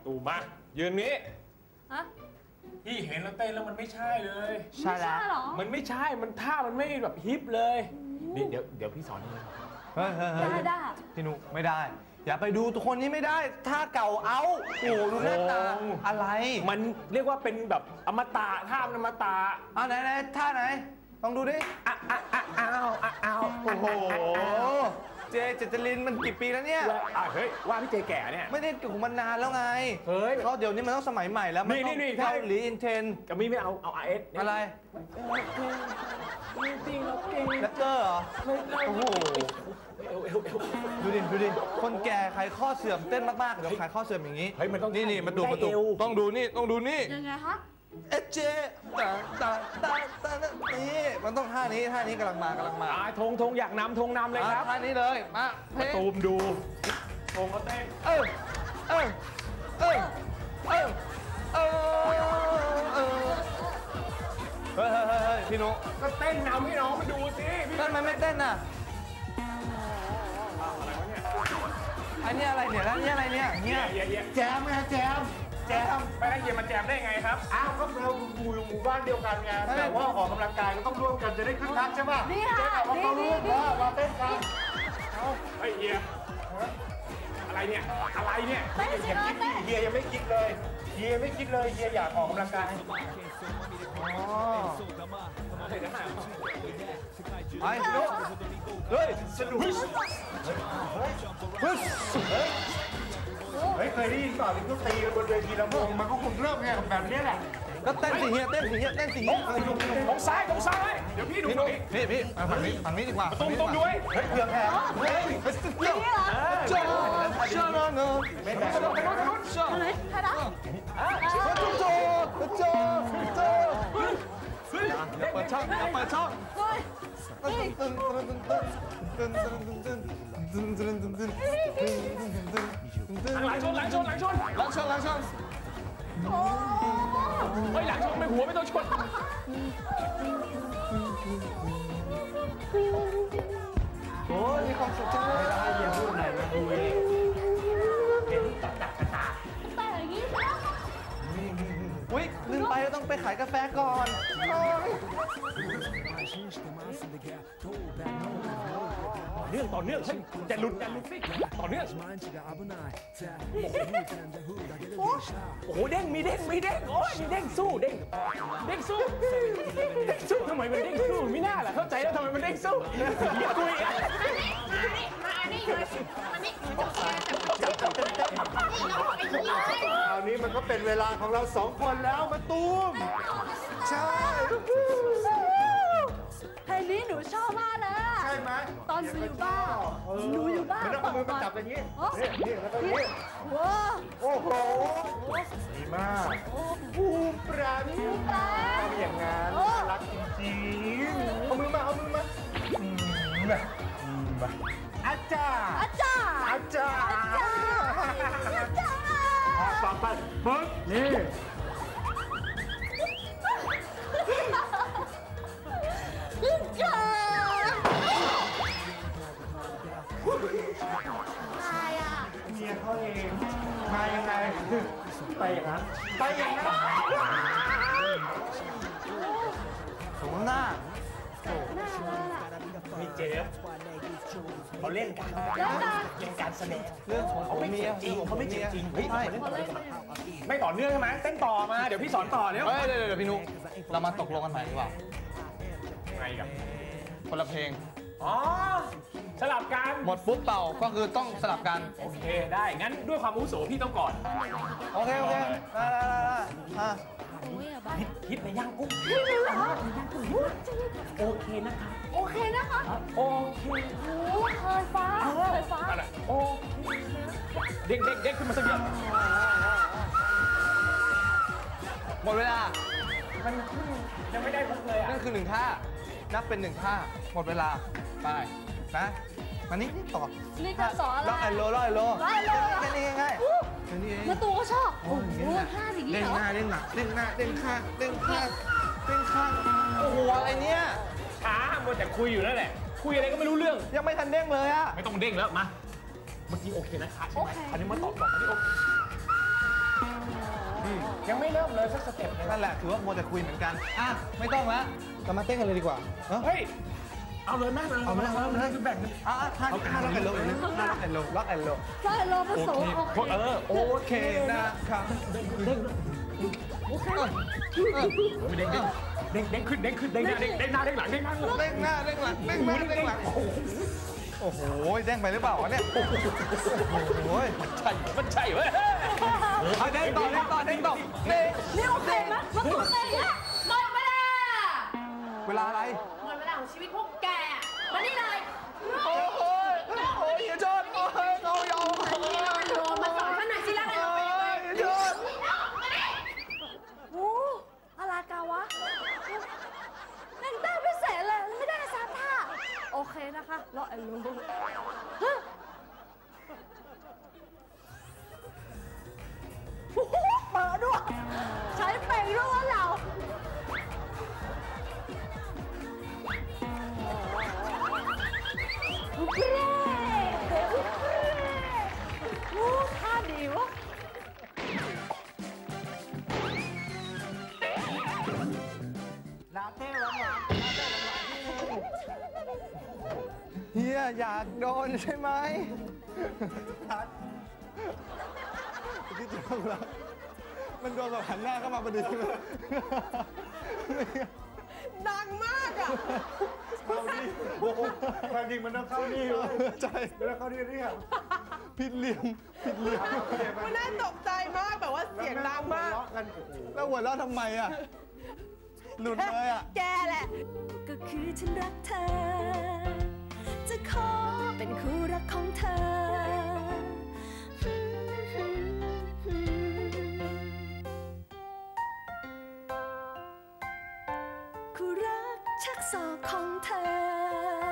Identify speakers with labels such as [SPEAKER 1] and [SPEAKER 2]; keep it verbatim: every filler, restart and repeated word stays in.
[SPEAKER 1] ตูมายืนนี้
[SPEAKER 2] ฮะ
[SPEAKER 1] พี่เห็นแล้วเต้นแล้วมันไม่ใช่เลย
[SPEAKER 2] ใช่แล้ว
[SPEAKER 1] มันไม่ใช่มันท่ามันไม่แบบฮิปเลยนี่เดี๋ยวเดี๋ยวพี่สอนเลย
[SPEAKER 3] เฮ้ยได้
[SPEAKER 2] ได้
[SPEAKER 3] พี่นุไม่ได้อย่าไปดูตัวคนนี้ไม่ได้ท่าเก่าเอาโอ้ดูหน้าตาอะไร
[SPEAKER 1] มันเรียกว่าเป็นแบบอมตะท่ามันอมตะ
[SPEAKER 3] เอาไหนไหนท่าไหนลองดูดิอ้าวอ้าวอ้าวอ้าวโอ้โหเจเจตลินมันกี่ปีแล้วเนี่ย
[SPEAKER 1] เฮ้ยว่าพี่เจแก่เนี่ย
[SPEAKER 3] ไม่ได้อยู่มันนานแล้วไง
[SPEAKER 1] เฮ้ย
[SPEAKER 3] เขาเดี๋ยวนี้มันต้องสมัยใหม่แล้วมันต้องเกาหลีอินเทน
[SPEAKER 1] กับมี่ไม่เอาเอาอาร์เอส
[SPEAKER 3] อะไร
[SPEAKER 1] จริงแล้วเก่ง
[SPEAKER 3] แรปเปอร์เหรอโอ้โหดูดิดูดิคนแก่ไขข้อเสื่อมเต้นมากๆเดี๋ยวไขข้อเสื่อมอย่างนี้
[SPEAKER 1] เฮ้ยมันต้อง
[SPEAKER 3] นี่นี่มาดูมาดูต้องดูนี่ต้องดูนี่
[SPEAKER 2] ยังไงฮะ
[SPEAKER 3] เอเจตาตาตาตานี่มันต้องท่านี้ท่านี้กำลังมากำลังมา
[SPEAKER 1] ธงธงอยากนำธงนำเลยครับ
[SPEAKER 3] ท่านี้เลยมา
[SPEAKER 1] ตูมดูธงก็เต้น
[SPEAKER 3] เออเออเออเออเออเออเฮ้ยเฮ้ยเฮ้ยพี่นุ
[SPEAKER 1] ก็เต้นนำให้น้องมาดูสิ
[SPEAKER 3] พี่ทำไมไม่เต้นอ่ะอันนี้อะไรเนี่ยแล้วนี่อะไรเนี่ยเนี่ยแจมไงแจมแจม
[SPEAKER 1] ไปได้เย็นมาแจมได้ไงครับ
[SPEAKER 4] อ้าวก็เราอยู่หมู่บ้านเดียวกันไงแต่ว่าออกกำลังกายก็ต้องร่วมกันจะได้คึกคักใช่ป่ะ
[SPEAKER 2] นี่ค่ะ
[SPEAKER 4] นี่นี่นี่มาเต้นกัน
[SPEAKER 1] เอาไอ้เฮียอะไรเนี่ยอะไรเนี่ย
[SPEAKER 2] เต้นสิเต้น
[SPEAKER 4] เฮียยังไม่คิดเลยเฮียไม่คิดเลยเฮียอยากออกกำลังกาย
[SPEAKER 3] อ๋อไอ้ลูกเฮ้ยสนุกเฮ้ยเฮ้ยเฮ้ย
[SPEAKER 4] เฮ้ยเคยได้ยินต่อที่เขาตีกันบนเวทีลำวงมันก็คงเริ่มไงแบบนี้แหละ
[SPEAKER 3] ก็เต้นสิเฮียเต้นสิเฮียเต้นสิเฮีย
[SPEAKER 1] ตรงซ้ายตรงซ้ายเดี๋ยวพี่ดู
[SPEAKER 3] นี่นี่พี่ฝั่งนี้ฝั่งนี้ดีกว่า
[SPEAKER 1] ตรงตรงด้วย
[SPEAKER 4] เฮ้ยเพื่อแพ้
[SPEAKER 3] เฮ้ยเฮ้ยสุดยอดจ้าจ้าโนโน
[SPEAKER 4] ไม่ได้
[SPEAKER 2] อะไรใครนะ
[SPEAKER 3] จ้าจ้าจ้าจ้าจ้าเปิดช่องเปิดช่องตึ้งตึ้งตึ้งตึ้งตึ้งตึ้งตึ้งตึ้งตึ้งตึ้งตึ้งตึ้งตึ้ง
[SPEAKER 1] หลังชนหลังชนหลังชน
[SPEAKER 3] หลังชนหลังชน
[SPEAKER 1] เฮ้ยหลังชนไม่หัวไม่ต้องชน
[SPEAKER 3] โอ้ยมีความสุขจังเลย
[SPEAKER 4] ได้เยี่ยมพูดไหนมาดูเองเห็นตัดตัดตา
[SPEAKER 2] แต่อย่างนี้ใช่ไหม
[SPEAKER 3] อุ้ยลืมไปต้องไปขายกาแฟก่อน
[SPEAKER 1] เนื่องต่อเนื่องเฮ้ยจะหลุดจะหลุดสิต่อเนื่องโอ้โหเด้งมีเด้งมีเด้งโอ้ยมีเด้งสู้เด้งเด้งสู้เด้งสู้ทำไมมันเด้งสู้ไม่น่าล่ะเข้าใจแล้วทำไมมันเด้งสู้อย่าคุยอ่ะ
[SPEAKER 2] มาอันนี้เลยอันนี้
[SPEAKER 4] คราวนี้มันก็เป็นเวลาของเราสองคนแล้วมาตูมใช่
[SPEAKER 2] เพลงนี้หนูชอบมากเลย
[SPEAKER 4] ใช่ไหม
[SPEAKER 2] ตอนหนูอยู่บ้านหนูอยู่บ้าน
[SPEAKER 4] ไม่ต้องเอามือมาจับอย่างนี้นี่นี่แล้วก็นี่
[SPEAKER 2] ว้า
[SPEAKER 4] โอ้โหดีมากบูมปราณีทำอย่างนั้นรักจริงๆเอามือมาเอามือมาอาจารย์
[SPEAKER 2] อาจารย์
[SPEAKER 4] อาจารย์
[SPEAKER 2] อาจารย์
[SPEAKER 4] ฟังไปปึ๊บนี่
[SPEAKER 2] จ้าใครอ่ะ
[SPEAKER 4] เมียเขาเองมายังไงไปอย่างนั้นไปอย่างนั้น
[SPEAKER 3] สมหน้า
[SPEAKER 1] มีเจฟเขาเล่นกันเล่นการแสดง
[SPEAKER 3] เรื่องของเขาไม่จริง
[SPEAKER 1] เขาไม่จริงจริง
[SPEAKER 3] ไม่ใช่
[SPEAKER 1] ไม่ต่อเนื่องใช่ไหมเต้นต่อมาเดี๋ยวพี่สอนต่อเนี่ย
[SPEAKER 3] เฮ้ยเดี๋ยวเดี๋ยวพี่นุ๊กเรามาตกลงกันใหม่ดีกว่า
[SPEAKER 1] ไงกับ
[SPEAKER 3] คนละเพลง
[SPEAKER 1] อ๋อสลับกัน
[SPEAKER 3] หมดปุ๊บเป่าก็คือต้องสลับกัน
[SPEAKER 1] โอเคได้งั้นด้วยความอาวุโสพี่ต้องก่อน
[SPEAKER 3] โอเคโอเคได้ได้ได้
[SPEAKER 1] ฮิตฮิตในย่างกุ้งโอเคนะคะ
[SPEAKER 2] โอเคนะคะ
[SPEAKER 1] โอเค
[SPEAKER 2] โอ้เคยฟ้าเคยฟ้า
[SPEAKER 1] โอเคเด็กเด็กเด็กขึ้นมาสักเดียว
[SPEAKER 3] หมดเวลา
[SPEAKER 1] มันยังไม่ได้พุกเลยอ่ะ
[SPEAKER 3] นั่นคือหนึ่งท่านับเป็นหนึ่งท่าหมดเวลาไปนะมานี่นี่ต่อ
[SPEAKER 2] นี่จะสอนอะไร
[SPEAKER 3] ล็อกไอโลล็อกไอโล
[SPEAKER 2] ล็อกไอโล
[SPEAKER 3] แค่นี้ง่าย
[SPEAKER 2] ๆแค่นี้เองแล้วตัวก็ชอบโอ้โหท่าอย่างนี้เหรอ
[SPEAKER 3] เด้งหน้าเด้งหลังเด้งหน้าเด้งข้างเด้งข้างเด้งข้างโอ้โหอะไรเนี่ย
[SPEAKER 1] ช้ามัวแต่คุยอยู่นั่นแหละคุยอะไรก็ไม่รู้เรื่อง
[SPEAKER 3] ยังไม่ทันเด้งเลยอะ
[SPEAKER 1] ไม่ต้องเด้งแล้วมาเมื่อกี้โอเคนะคะใช่ไหมอันนี้มาตอบตอบอันนี้โอเคยังไม่เริ่มเลยสักสเต็ปเลย
[SPEAKER 3] นั่นแหละถือว่าโมวแต่คุยเหมือนกันอ่ะไม่ต้องละเรามาเต้นกันเลยดีกว่าเนาะ
[SPEAKER 1] เฮ้ยเอาเลยแม่เลย
[SPEAKER 3] เอามาเอาเลย
[SPEAKER 1] คือแบ่ง
[SPEAKER 3] อ่ะท่าท่าล็อกแอนโลเลยท่าล็อกแอนโลล็อกแอนโล
[SPEAKER 2] ใช่เราผสมโอเค
[SPEAKER 1] เออ
[SPEAKER 3] โอเคนะครับเด้งเด้ง
[SPEAKER 2] โอเค
[SPEAKER 1] เด้งเด้งเด้งขึ้นเด้งขึ้นเด้งหน้าเด้งเด้งหน้าเด้งหลังเด้งหน้า
[SPEAKER 3] เด้งหน้าเด้งหลังเด้งหน้าเด้งหลังโอ้โหเด้งไปหรือเปล่าวะเนี่ยโอ้โห
[SPEAKER 1] ใช่มันใช่เว้ย
[SPEAKER 3] เอาเด้งต่อเด้งต่อเด้งต่อเด้ง
[SPEAKER 2] นี่โอเคไหมมันโอเคอะหมดเวลา
[SPEAKER 3] เวลาอะไร
[SPEAKER 2] หมดเวลาของชีวิตพวกแกมานี่เลย
[SPEAKER 3] โอ้โหโอ้ยอย่าชนโอ้ยเขายอม
[SPEAKER 2] อันนี้แล้วกันโดนมาสอนฉันหน่อยสิแล้วกันโดนเป็นยังไง
[SPEAKER 3] อย่าชน
[SPEAKER 2] โอ้อะไรกาวะหนึ่งแต้มพิเศษเลยไม่ได้สักท่าโอเคนะคะรอไอ้รู้ฮะโอ้โหเปิดด้วยใช้เป่งด้วยวะเราอุ๊ยเล่โอ้ท่าดีวะ
[SPEAKER 3] ลาเต้หวานหวานลาเต้หวานที่เฮียอยากโดนใช่ไหมที่จริงแล้วมันโดนแบบหันหน้าเข้ามาพอดี
[SPEAKER 5] ดังมากอ่ะ
[SPEAKER 4] เข้านี่โอ้โหความจริงมันต้องเข้านี่เลย
[SPEAKER 3] ใช่
[SPEAKER 4] แล้วเข้านี่เรียก
[SPEAKER 3] ผิดเหลี่ยมผิดเหลี่ยม
[SPEAKER 5] มันน่าตกใจมากแบบว่าเสียงดังมาก
[SPEAKER 4] กันโอ้โห
[SPEAKER 3] แล้วหัวเราะทำไมอ่ะหลุดเลยอ่ะ
[SPEAKER 5] แกแหละ
[SPEAKER 6] ก็คือฉันรักเธอ จะขอเป็นคู่รักของเธอ คู่รักชักศอกของเธอ